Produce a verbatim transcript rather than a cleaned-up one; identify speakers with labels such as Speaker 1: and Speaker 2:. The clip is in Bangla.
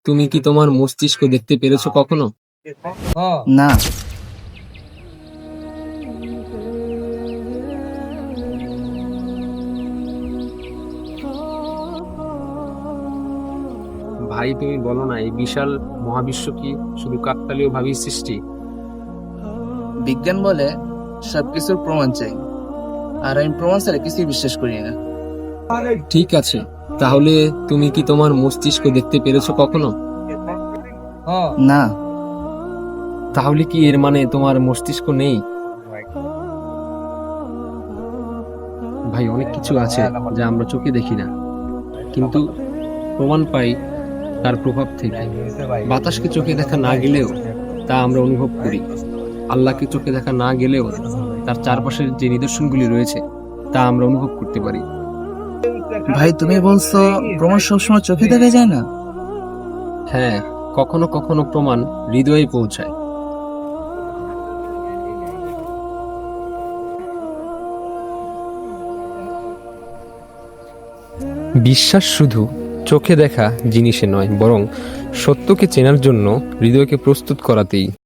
Speaker 1: তুমি কি তোমার মস্তিষ্ক দেখতে পেরেছো কখনো?
Speaker 2: না।
Speaker 1: ভাই তুমি বলো না, এই বিশাল মহাবিশ্ব কি শুধু কাকতালীয় ভাবেই সৃষ্টি?
Speaker 2: বিজ্ঞান বলে সবকিছুর প্রমাণ চাই, আর আমি প্রমাণ ছাড়া কিছুই বিশ্বাস করি না।
Speaker 1: ঠিক আছে, তাহলে তুমি কি তোমার মস্তিষ্ক দেখতে পেরেছো কখনো?
Speaker 2: না।
Speaker 1: তাহলে কি এর মানে তোমার মস্তিষ্ক নেই? ভাই, অনেক কিছু আছে যা আমরা চোখে দেখি না, কিন্তু প্রমাণ পাই তার প্রভাব থেকে। বাতাসকে চোখে দেখা না গেলেও তা আমরা অনুভব করি। আল্লাহকে চোখে দেখা না গেলেও তার চারপাশের যে নিদর্শনগুলি রয়েছে তা আমরা অনুভব করতে পারি।
Speaker 2: ভাই, তুমি বলছো প্রমাণ সবসময় চোখে দেখা যায় না?
Speaker 1: হ্যাঁ, কখনো কখনো প্রমাণ হৃদয়ে পৌঁছায়। বিশ্বাস শুধু চোখে দেখা জিনিসে নয়, বরং সত্যকে চেনার জন্য হৃদয়কে প্রস্তুত করাতেই।